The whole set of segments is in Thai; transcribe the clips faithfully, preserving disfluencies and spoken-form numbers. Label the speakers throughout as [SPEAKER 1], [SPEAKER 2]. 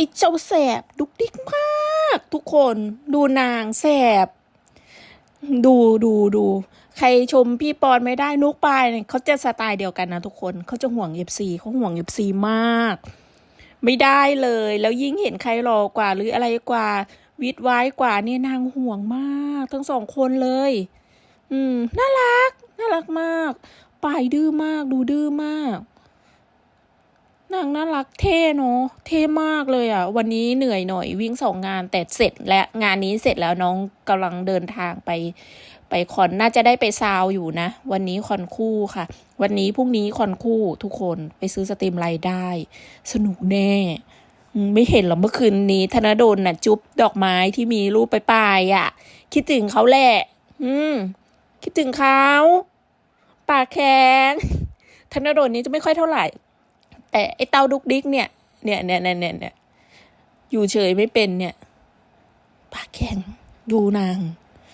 [SPEAKER 1] อ้เจ้าแสบดุกดิกมากทุกคนดูนางแสบดูดูดูใครชมพี่ปอนไม่ได้นุกปายเนี่ยเขาจะสไตล์เดียวกันนะทุกคนเขาจะห่วงเอฟซีเขาห่วงเอฟซีมากไม่ได้เลยแล้วยิ่งเห็นใครหล่อกว่าหรืออะไรกว่าวิดไว้กว่าเนี่ยนางห่วงมากทั้งสองคนเลยอืมน่ารักน่ารักมากปายดื้อมากดูดื้อมากนางน่ารักเท่เนาะเท่มากเลยอ่ะวันนี้เหนื่อยหน่อยวิ่งสองงานแต่เสร็จและงานนี้เสร็จแล้วน้องกำลังเดินทางไปไปคอนน่าจะได้ไปซาวอยู่นะวันนี้คอนคู่ค่ะวันนี้พรุ่งนี้คอนคู่ทุกคนไปซื้อสตรีมไลน์ได้สนุกแน่ไม่เห็นหรอเมื่อคืนนี้ธนดลน่ะจุ๊บดอกไม้ที่มีรูปไปปลายอ่ะคิดถึงเขาแหละอืมคิดถึงเขาปากแข็งธนดลนี้จะไม่ค่อยเท่าไหร่แต่ไอเต้าดุกดิกเนี่ยเนี่ยเนี่ยเนี่ยเนี่ยอยู่เฉยไม่เป็นเนี่ยปากแข็งดูนาง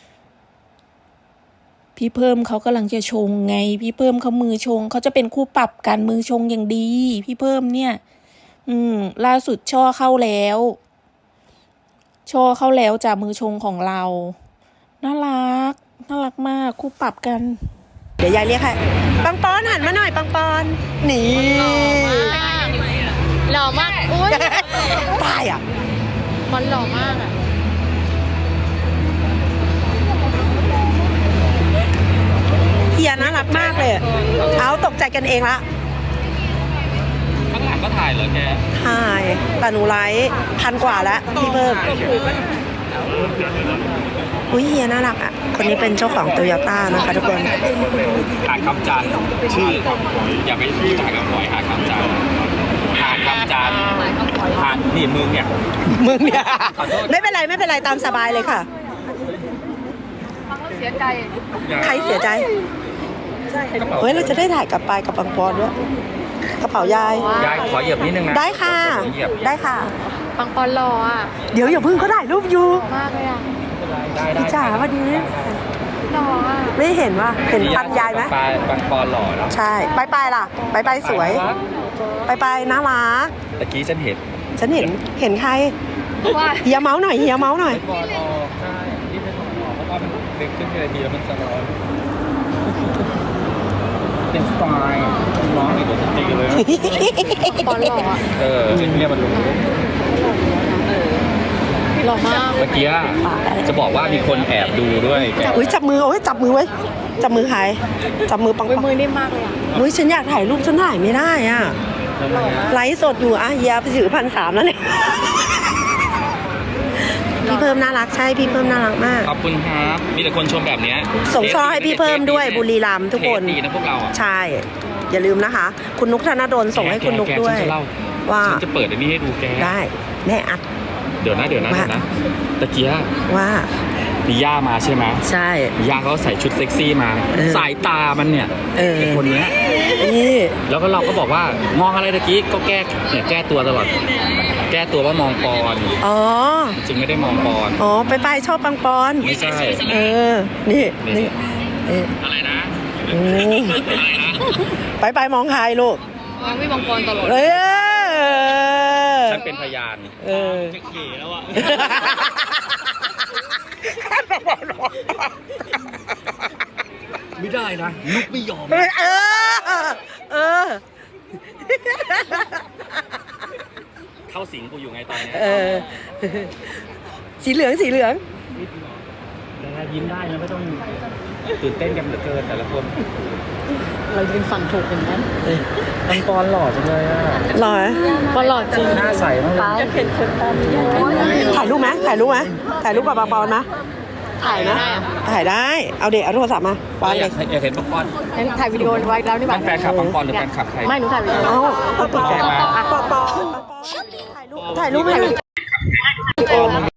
[SPEAKER 1] พี่เพิ่มเขากำลังจะชงไงพี่เพิ่มเขามือชงเขาจะเป็นคู่ปรับกันมือชงอย่างดีพี่เพิ่มเนี่ยอืมล่าสุดช่อเข้าแล้วช่อเข้าแล้วจากมือชงของเราน่ารักน่ารักมากคู่ปรับกันเดี๋ยวยายเรียกให้ปังปอนหันมาหน่อยปังปอนนี่
[SPEAKER 2] หล่อมากอุ้ย
[SPEAKER 1] ตายอ่ะ
[SPEAKER 2] มันหล่อมากอ่ะ
[SPEAKER 1] เฮียน่ารักมากเลยเอาตกใจกันเองละ
[SPEAKER 3] ข้างหลังก็ถ่ายเหรอแก
[SPEAKER 1] ถ่ายแต่หนูไลฟ์พันกว่าแล้วพี่เพิ่มอุ้ยเฮียน่ารักอ่ะคนนี้เป็นเจ้าของโตโยต้านะคะทุกคน
[SPEAKER 3] หาคำจันชื่ออย่าไปพูดหาคำฝอยหาคำจันหาคำจันหานี่มึงเนี่ย
[SPEAKER 1] มึงเนี่ยไม่เป็นไรไม่เป็นไรตามสบายเลยค่ะ
[SPEAKER 2] เสียใจ
[SPEAKER 1] ใครเสียใจเฮ้ยเราจะได้ถ่ายกับปายกับปังปอนด้วยกระเป๋ายาย
[SPEAKER 3] ยายขอเหยียบนิดนึงนะ
[SPEAKER 1] ได้ค่ะได้ค่ะ
[SPEAKER 2] ปังปอนหล่ออ่ะ
[SPEAKER 1] เดี๋ยวอย่าพึ่งเขาถ่ายรูปอยู่
[SPEAKER 2] มากเลยอ่ะ
[SPEAKER 1] พี่จ๋าวันนี้
[SPEAKER 2] หล่ออ่ะ
[SPEAKER 1] ไม่เห็นว่าเห็นปังยายไหม
[SPEAKER 3] ปายปังปอนหล่อแล้ว
[SPEAKER 1] ใช่ปายปายล่ะปายปายสวยปายปายน่ารัก
[SPEAKER 3] ตะกี้ฉันเห็น
[SPEAKER 1] ฉันเห็นเห็นใครเฮียเมาส์หน่อยเฮียเมาส์หน่อย
[SPEAKER 3] ปอนออกใช่ที่เป็นปอนออกเพราะว่ามันเล็กขึ้นทีละทีแล้วมันจะร้อนเป็นสไตล์ร้องอีกเดี๋ยวจะตีเลย
[SPEAKER 2] ปอนหล่ออ่ะ
[SPEAKER 3] เออเนี่ยมันรู้
[SPEAKER 2] หล่อมาก
[SPEAKER 3] เมื่อกี้จะบอกว่ามีคนแอบดูด้วย
[SPEAKER 1] อุ้ยจับมือโอ้ยจับมือไว้จับมือใครจับมือปังปัง
[SPEAKER 2] มือนิ่มมากเลยอ่ะ
[SPEAKER 1] อุ้ยฉันอยากถ่ายรูปฉันถ่ายไม่ได้อ่ะไลฟ์สดอยู่อ่ะเฮียไปถือพันสามแล้วเนี่ยพี่เพิ่มน่ารักใช่พี่เพิ่มน่ารักมาก
[SPEAKER 3] ขอบคุณครับมีแต่คนชมแบบนี้
[SPEAKER 1] ส่งช่อให้พี่เพิ่มด้วยบุรีรัมย์ทุกคน
[SPEAKER 3] ดีนะพวกเรา
[SPEAKER 1] ใช่อย่าลืมนะคะคุณนุกธนดลส่งให้คุณนุกด้วยว่า
[SPEAKER 3] ฉันจะเปิดอันนี้ให้ดูแก
[SPEAKER 1] ได้แม่อัด
[SPEAKER 3] เดี๋ยวนะเดี๋ยวนะเดี๋ยวนะตะเกีย
[SPEAKER 1] ว่า
[SPEAKER 3] มีย่ามาใช่ไหม
[SPEAKER 1] ใช่
[SPEAKER 3] ย่าเขาใส่ชุดเซ็กซี่มาสายตามันเนี่ยไอคนเนี้ย
[SPEAKER 1] นี่
[SPEAKER 3] แล้วก็เราก็บอกว่ามองอะไรตะกี้ก็แก้เนี่ยแก้ตัวตลอดแก้ตัวว่ามองปอน
[SPEAKER 1] อ๋อ
[SPEAKER 3] จริงไม่ได้มองปอน
[SPEAKER 1] อ๋อไปไปชอบปังปอน
[SPEAKER 3] ไม่ใช่
[SPEAKER 1] เออนี่นี่
[SPEAKER 3] อะไรนะ
[SPEAKER 1] ไปไปมองใครลูก
[SPEAKER 2] มองไม่มองปอนตลอด
[SPEAKER 1] เอ
[SPEAKER 3] อฉันเป็นพยาน
[SPEAKER 1] เออ
[SPEAKER 3] จะเขี่แล้วอ่ะไม่ได้นะลุกไม่ยอม
[SPEAKER 1] เออเออ
[SPEAKER 3] เข้าสิงกูอยู่ไงตอนนี้
[SPEAKER 1] เออสีเหลืองสีเหลือง
[SPEAKER 3] ยิ้มได้นะไม่ต้องตื่นเต้นกันเหลือเกินแต่ละคน
[SPEAKER 2] เรายืนฝั่งถูกกันนั้น
[SPEAKER 3] ปังปอนหล่อจังเลยอ่ะ
[SPEAKER 1] หล่อ
[SPEAKER 2] ปอนหล่อจริง
[SPEAKER 3] หน้าใสมากเลย
[SPEAKER 1] ถ่ายรูปไหมถ่ายรูปไหมถ่ายรูปกับปังปอนนะถ่ายนะถ่ายได้เอาเด็กเอาโทรศัพท์มาวางเลย
[SPEAKER 3] อยากเห็นปังปอน
[SPEAKER 2] ถ่ายวิดีโอไว้แล้วนี่บ้าง
[SPEAKER 3] แฟนคลับปังปอนหรือแฟนคลับใคร
[SPEAKER 2] ไม่หนูถ่ายวิดีโอ
[SPEAKER 1] เอาปอปอปอปอถ่ายรูปถ่ายรูปให้